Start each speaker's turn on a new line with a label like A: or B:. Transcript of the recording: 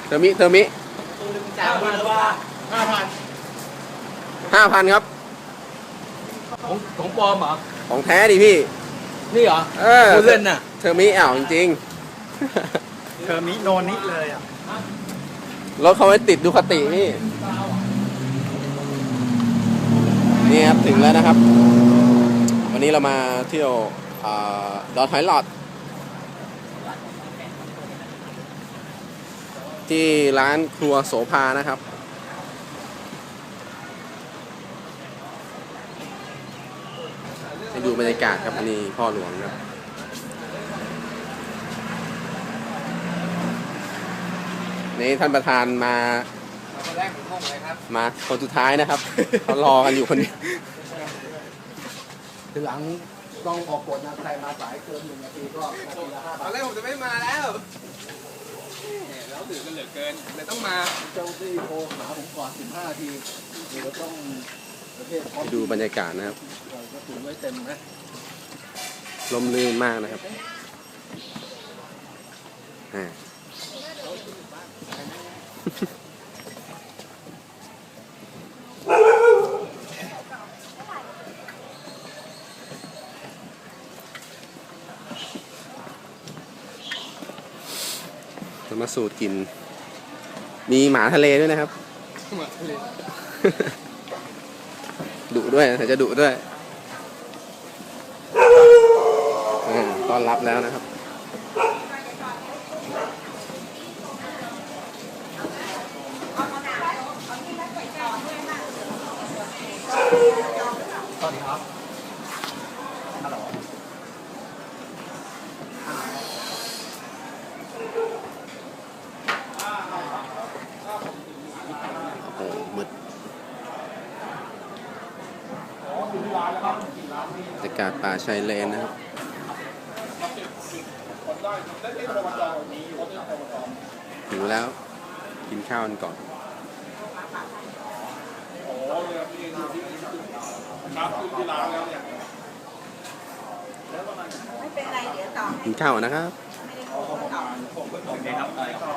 A: เทอร์มิ
B: 3,000 หรือว่า
A: 5,000ครับ
B: ของปลอมเหรอ
A: ของแท้ดิพี่
B: นี่เหรอ
A: พูด
B: เล่นน่ะ
A: เทอร์มิจริง
C: เธอมิโนนิเลยอ่ะ
A: รถเขาไว้ติดดูคตินี่นี่ครับถึงแล้วนะครับ วันนี้เรามาเที่ยวดอนหอยหลอดที่ร้านครัวโสภานะครับให้ดูบรรยากาศครับอันนี้พ่อหลวงครับนี่ท่านประธานมา
B: คนแรกผมงงเลยครับ
A: มาคนสุดท้ายนะครับ เขารอกันอยู่คนเดียว
B: ทีหลังต้องออกกฎนะใครมาสายเกิน1 นาทีก็นาทีละ 5
D: ต
B: บา
D: อน
B: ท
D: แรกผมจะไม่มาแล้วแล้วถือกันเหลือเกินเลยต้องมา
B: เจ้าที่โทรหาผมก่อน15 นาทีเดี๋ยวต้องประเทศพร้อม
A: ดูบรรยากาศนะครับ
B: เราก็ถึงไว้เต็มนะ
A: ลมลื่นมากนะครับอ่าจะมาสูตรกิน มีหมาทะเลด้วยนะครับ ดุด้วยแต่จะดุด้วยต้อนรับแล้วนะครับ
B: สวัสดีครับฮัลโหล
A: โอ้มืดบรรยากาศป่าชายเลนนะครับหิวแล้วกินข้าวกันก่อน
E: ไม่เป็นไรเดี๋ยวต่อ
A: กินข้าวก่อนนะครับ
E: ไม่ได้โกงต่อ